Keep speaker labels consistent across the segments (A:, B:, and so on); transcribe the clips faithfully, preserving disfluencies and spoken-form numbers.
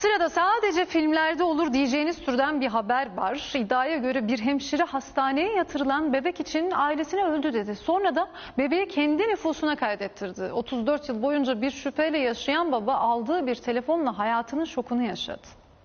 A: Sırada sadece filmlerde olur diyeceğiniz türden bir haber var. İddiaya göre bir hemşire hastaneye yatırılan bebek için ailesine öldü dedi. Sonra da bebeği kendi nüfusuna kaydettirdi. otuz dört yıl boyunca bir şüpheyle yaşayan baba aldığı bir telefonla hayatının şokunu yaşadı.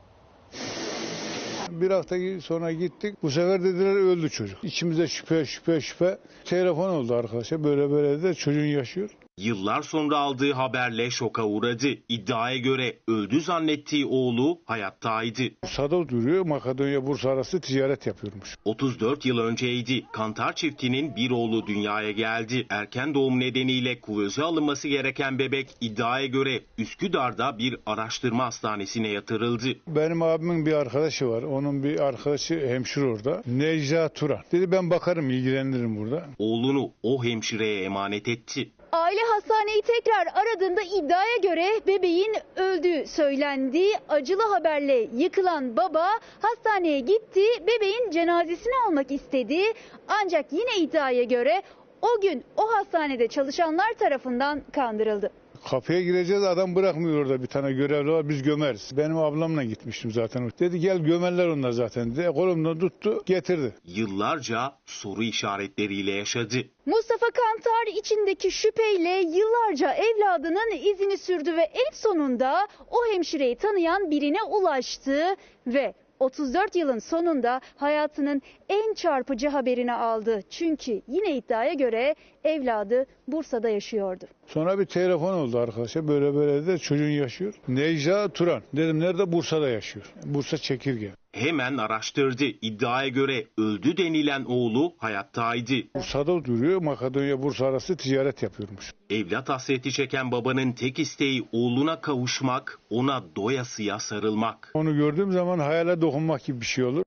B: Bir hafta sonra gittik. Bu sefer dediler öldü çocuk. İçimizde şüphe şüphe şüphe. Telefon oldu arkadaşa. Böyle böyle de çocuğun yaşıyor.
C: Yıllar sonra aldığı haberle şoka uğradı. İddiaya göre öldü zannettiği oğlu hayattaydı.
B: Bursa'da duruyor. Makedonya Bursa arası ticaret yapıyormuş.
C: otuz dört yıl önceydi. Kantar çiftinin bir oğlu dünyaya geldi. Erken doğum nedeniyle kuvöze alınması gereken bebek iddiaya göre Üsküdar'da bir araştırma hastanesine yatırıldı.
B: Benim abimin bir arkadaşı var. Onun bir arkadaşı hemşire orada. Necla Turan. Dedi ben bakarım, ilgilenirim burada.
C: Oğlunu o hemşireye emanet etti.
D: Aile hastaneyi tekrar aradığında iddiaya göre bebeğin öldüğü söylendi. Acılı haberle yıkılan baba hastaneye gitti. Bebeğin cenazesini almak istedi. Ancak yine iddiaya göre o gün o hastanede çalışanlar tarafından kandırıldı.
B: Kapıya gireceğiz, adam bırakmıyor orada, bir tane görevli var, biz gömeriz. Benim ablamla gitmiştim zaten. Dedi gel gömerler onlar zaten dedi. Kolumdan tuttu getirdi.
C: Yıllarca soru işaretleriyle yaşadı.
D: Mustafa Kantar içindeki şüpheyle yıllarca evladının izini sürdü ve en sonunda o hemşireyi tanıyan birine ulaştı ve otuz dört yılın sonunda hayatının en çarpıcı haberini aldı. Çünkü yine iddiaya göre evladı Bursa'da yaşıyordu.
B: Sonra bir telefon oldu arkadaşa, böyle böyle de çocuğun yaşıyor. Necla Turan. Dedim nerede? Bursa'da yaşıyor. Bursa Çekirge.
C: Hemen araştırdı. İddiaya göre öldü denilen oğlu hayattaydı.
B: Bursa'da duruyor. Makedonya Bursa arası ticaret yapıyormuş.
C: Evlat hasreti çeken babanın tek isteği oğluna kavuşmak, ona doyasıya sarılmak.
B: Onu gördüğüm zaman hayale dokunmak gibi bir şey olur.